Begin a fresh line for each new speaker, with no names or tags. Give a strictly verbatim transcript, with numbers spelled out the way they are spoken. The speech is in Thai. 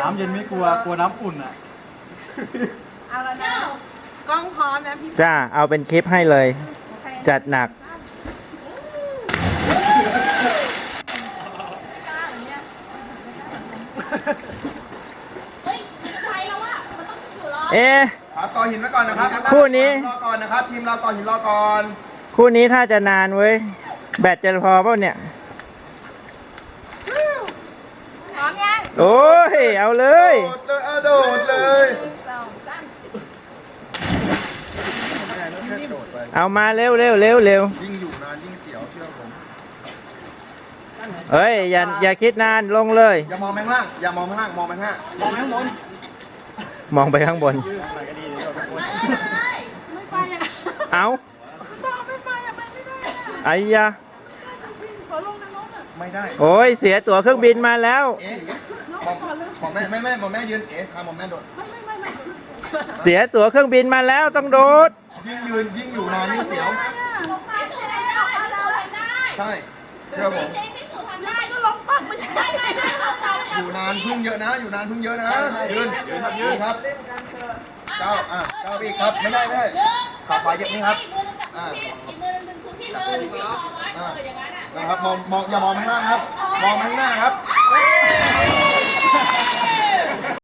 น้ำเย็นไม่กลัวกลัวน้ำอุ่นอ่ะ
เอาละนะกล้องพร้อมนะพี่
จ้าเอาเป็นคลิปให้เลย จัดหนักเอ๊ะ
ต่อหินไว้ก่อนนะครับ
คู่นี้
รอก่อนนะครับทีมเราต่อหินรอก่อน
คู่นี้ถ้าจะนานเว้ยแบตจะพอเปล่าเนี่ย
พร้อมยัง
โอ้ยเอาเลย
โดดเลยโดดเลย
เอามาเร็วเร็วเร็วเร็ว
ยิ่งอยู่นานยิ่งเสียวเชื่อผม
เฮ้ยอย่าอย่าคิดนานลงเลย
อย่ามองไปข้างล่างอย่ามองไปข้างล่างมองไปข้างหน้ามองไปข้างบน
มองไปข้างบนเอาไอ้ยา
ไม่ได้
โอ้ยเสียตั๋วเครื่องบินมาแล้ว
เอ๊ะมองแม่แม่แม่มองแม่ยืนเอ๊ะทำมองแม่โดด
เสียตั๋วเครื่องบินมาแล้วต้องโดด
ยิ่งยืนยิ่งอยู่นานยิ่งเสียวใช่เชื่อผมอยู่นานพึ่งเยอะนะอยู่นานพึ่งเยอะนะยืนยืนครับเก้าอ่ะเก้าอีกครับไม่ได้ไม่ได้ขาขวาเย็บนี่ครับอ่าอ่านะครับมองมองอย่ามองข้างล่างครับมองข้างหน้าครับ